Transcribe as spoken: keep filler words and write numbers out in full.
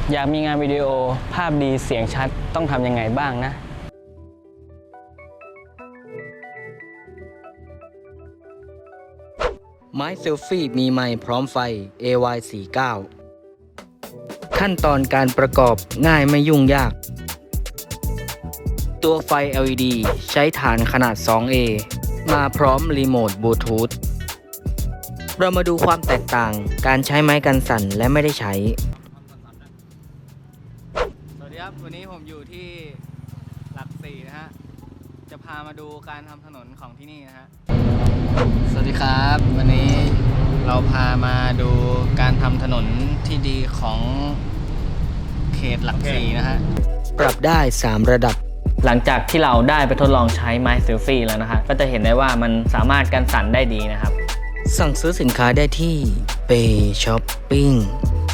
อยากมีงานวิดีโอภาพดีเสียงชัดต้องทำยังไงบ้างนะไม้เซลฟี่มีไมค์พร้อมไฟ เอ วาย สี่สิบเก้า ขั้นตอนการประกอบง่ายไม่ยุ่งยาก ตัวไฟ แอล อี ดี ใช้ฐานขนาด สอง เอ มาพร้อมรีโมทบลูทูธ เรามาดูความแตกต่างการใช้ไม้กันสั่นและไม่ได้ใช้สวัสดีครับวันนี้ผมอยู่ที่หลักสี่นะฮะจะพามาดูการทำถนนของที่นี่นะฮะสวัสดีครับวันนี้เราพามาดูการทำถนนที่ดีของเขตหลักสี่นะฮะปรับได้ สาม ระดับหลังจากที่เราได้ไปทดลองใช้ไม้เซลฟี่แล้วนะฮะก็จะเห็นได้ว่ามันสามารถกันสั่นได้ดีนะครับสั่งซื้อสินค้าได้ที่ Pay Shopping